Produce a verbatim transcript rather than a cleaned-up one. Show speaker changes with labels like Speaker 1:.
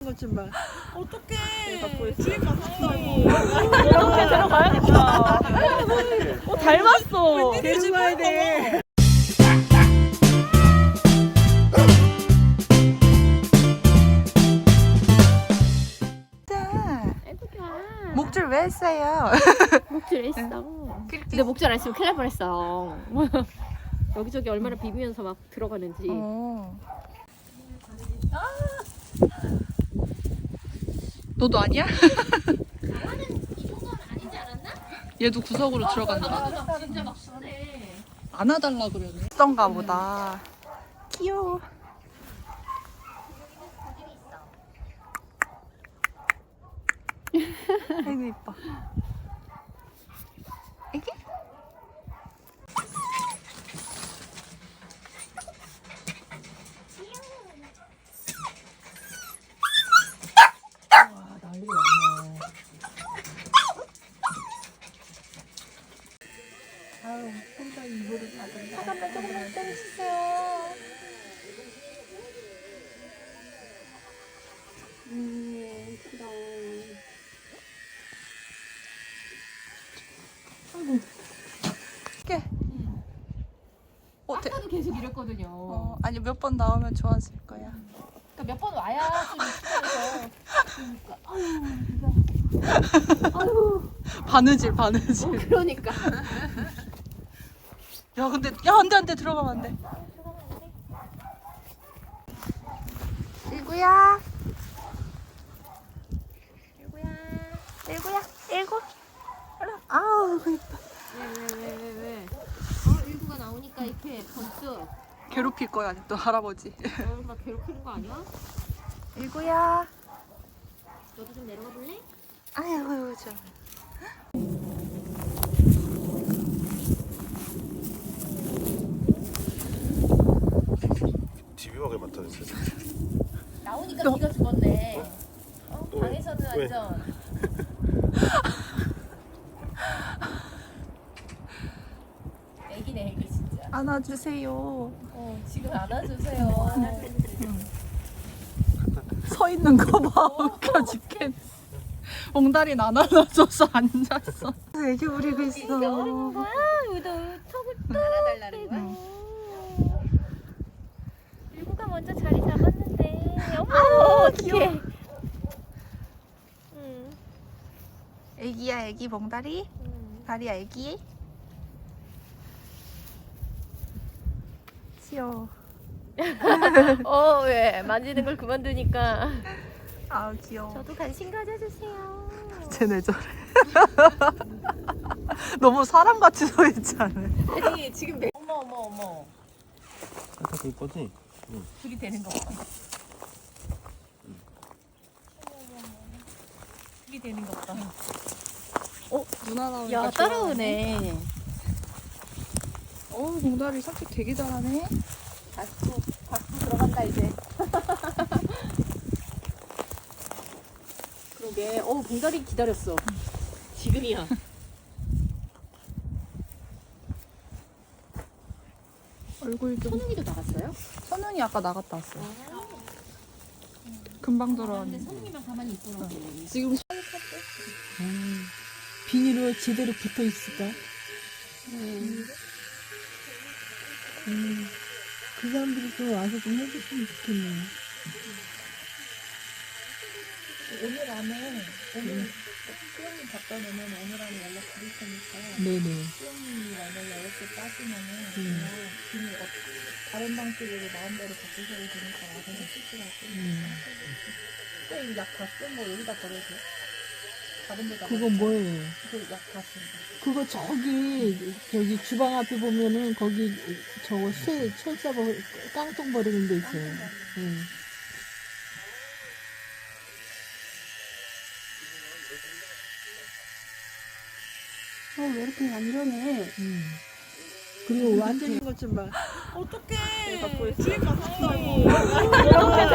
Speaker 1: 것 좀 봐.
Speaker 2: 어떡해.
Speaker 1: 주인 가서
Speaker 2: 이렇게 들어가야겠다. 어, 닮았어.
Speaker 1: 데려가야 돼.
Speaker 3: 목줄 왜 했어요?
Speaker 2: 목줄 했어. 근데 목줄 안 했으면 큰일 날 뻔했어. 여기저기 얼마나 비비면서 막 들어가는지.
Speaker 3: 어. 너도 아니야?
Speaker 2: 이 정도는 아니지 않았나?
Speaker 3: 얘도 구석으로 들어간다.
Speaker 2: 맞아, 진짜 막 순해.
Speaker 3: 안아달라 그러네. 썬가 보다. 귀여워. 아이고 이뻐. 애기?
Speaker 1: 와, 난리가 났네. 아유, 혼자 이불을 받았네.
Speaker 3: 잠깐만 조금만 때려주세요.
Speaker 2: 음, 예쁘다.
Speaker 3: 이렇게. 어, 대,
Speaker 2: 아까도 계속 이랬거든요.
Speaker 3: 어, 아니 몇 번 나오면 좋아질 거야.
Speaker 2: 그러니까 몇 번 와야 좀 익숙해서. 그러니까, 아유, 아유.
Speaker 3: 바느질 바느질.
Speaker 2: 어, 그러니까.
Speaker 3: 야 근데 야 안돼 안돼 들어가면 안돼. 일구야. 일구야. 일구야. 일구. 아우 이뻐.
Speaker 2: 왜, 왜, 왜, 왜, 왜? 어, 일구가 나오니까 이렇게 번쩍.
Speaker 3: 괴롭힐 거야 또 할아버지.
Speaker 2: 어, 막 괴롭히는 거 아니야?
Speaker 3: 일구야.
Speaker 2: 너도 좀 내려가 볼래?
Speaker 3: 아유 저.
Speaker 4: 집요하게 맡아주세요.
Speaker 2: 나오니까
Speaker 3: 너-
Speaker 2: 네가 죽었네. 어?
Speaker 4: 왜?
Speaker 2: 방에서는
Speaker 4: 왜?
Speaker 2: 완전. 애기네 애기 진짜.
Speaker 3: 안아주세요.
Speaker 2: 어 지금 안아주세요.
Speaker 3: 서 있는 거 봐. 웃겨 죽겠네. 옹달이는 안 안아줘서 앉았어. 애기 부리고 있어.
Speaker 2: 뭐야? 너 턱을 또 안아달라는 거야? 일구가 먼저 자리 잡았는데. 어머 어떡해. 응.
Speaker 3: 애기야 애기 봉다리.
Speaker 2: 응.
Speaker 3: 다리야 애기. 귀여워.
Speaker 2: 어 왜? 만지는 걸 그만두니까.
Speaker 3: 아 귀여워.
Speaker 2: 저도 관심 가져주세요.
Speaker 3: 쟤네 저래. 너무 사람같이 서 있지 않아?
Speaker 2: 아니 지금 내 어머 어머 어머
Speaker 4: 아까 그 거지?
Speaker 2: 둘이 되는 거 봐. 둘이 되는 거 봐.
Speaker 3: 어 누나 나오니까
Speaker 2: 야 따라오네.
Speaker 3: 어 봉다리 삭제 되게 잘하네.
Speaker 2: 박수 박수 들어간다 이제. 그러게. 어 봉다리 기다렸어. 지금이야.
Speaker 3: 얼굴 좀.
Speaker 2: 선웅이도 나갔어요?
Speaker 3: 선웅이 아까 나갔다 왔어. 금방
Speaker 2: 근데
Speaker 3: 들어왔는데.
Speaker 2: 선웅이만 가만히 있더라고.
Speaker 3: 지금
Speaker 1: 음, 비닐로 제대로 붙어 있을까?
Speaker 2: 음.
Speaker 1: 음, 그 사람들이 좀 와서 좀 해줬으면 좋겠네. 오늘 안에, 오늘 수영님 갖다 놓으면 오늘 안에 연락 드릴 테니까. 네네. 수영님이 만약에 어렵게 빠지면은 그냥 비닐 어, 다른 방식으로 마음대로 바꾸셔도 되니까 와서 해주시라고. 쌤약 다 쓴 거 여기다 버려도 돼? 다른 데다.
Speaker 5: 그거 뭐예요?
Speaker 1: 그약 다 쓴 거.
Speaker 5: 그거 저기 저기 주방 앞에 보면은 거기 저거 쇠 철사 버 깡통 버리는 데 있어요. 응.
Speaker 1: 어, 왜 이렇게 안 이러네.
Speaker 5: 응. 그리고 완전히
Speaker 1: 것 좀 봐.
Speaker 2: 어떡해.
Speaker 1: 주인 가서
Speaker 2: 이렇게